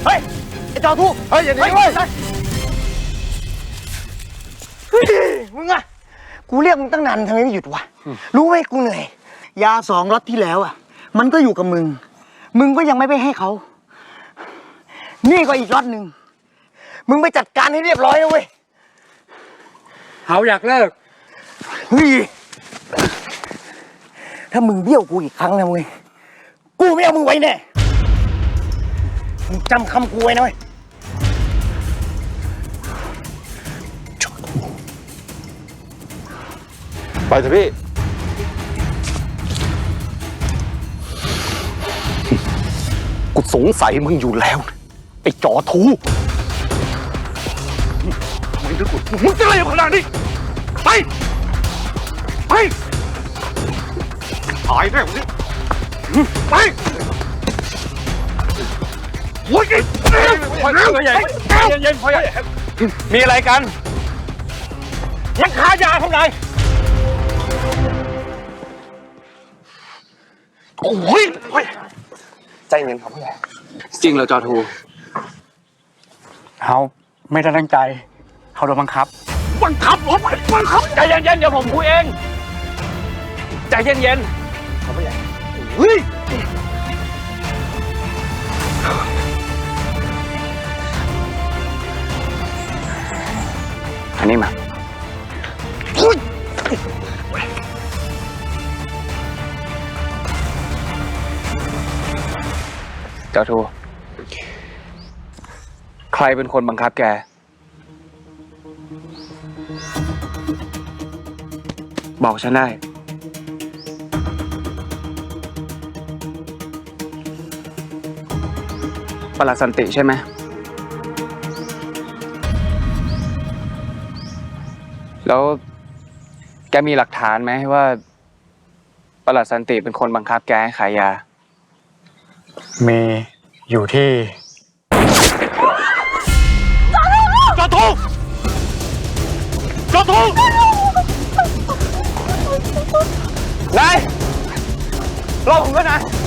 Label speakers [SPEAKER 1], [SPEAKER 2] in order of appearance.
[SPEAKER 1] เฮ้ยไอ้จอทูเฮ้ยอย่าหนีเว้ยมึงอะกูเรียกมึงตั้งนานทำไมไม่หยุดวะรู้ไหมกูเหนื่อยยา2 ล็อตที่แล้วอะมันก็อยู่กับมึงก็ยังไม่ไปให้เขานี่ก็อีกล็อตหนึ่งมึงไปจัดการให้เรียบร้อยนะเว้ย
[SPEAKER 2] เขาอยากเลิก
[SPEAKER 1] เฮ้ยถ้ามึงเบี้ยวกูอีกครั้งนะเว้ยกูไม่เอามึงไว้แน่มึงจำคำกูไว้นะเว้ย
[SPEAKER 3] ไปเถอะพี่กูสงสัยมึงอยู่แล้วไอ้จอทูมึงจะกูมึงจะอะไรขนาดนี้ไปตายแน่วันนี้ไปโอ้ยพ่อใหญ่เย็นพ่อใหญ่มีอะไรกันมันค้ายาทำไมโอ้ยใจเย็นครับพ่อใหญ่
[SPEAKER 2] จริงเหรอจอทู
[SPEAKER 1] เขาไม่ได้ตั้งใจเขาโดนบังคับ
[SPEAKER 2] ใจเย็นๆเดี๋ยวผมคุยเองใจเย็นๆครับพ่อใหญ่
[SPEAKER 1] เฮ้ย
[SPEAKER 2] อันนี้มาเจ้าทูใครเป็นคนบังคับแกบอกฉันได้ปลัดสันติใช่ไหมแล้วแกมีหลักฐานไหมว่าปลัดสันติเป็นคนบังคับแกให้ขายยา
[SPEAKER 1] มีอยู่ที่
[SPEAKER 3] จอทู
[SPEAKER 1] นายรอผมด้วยนะ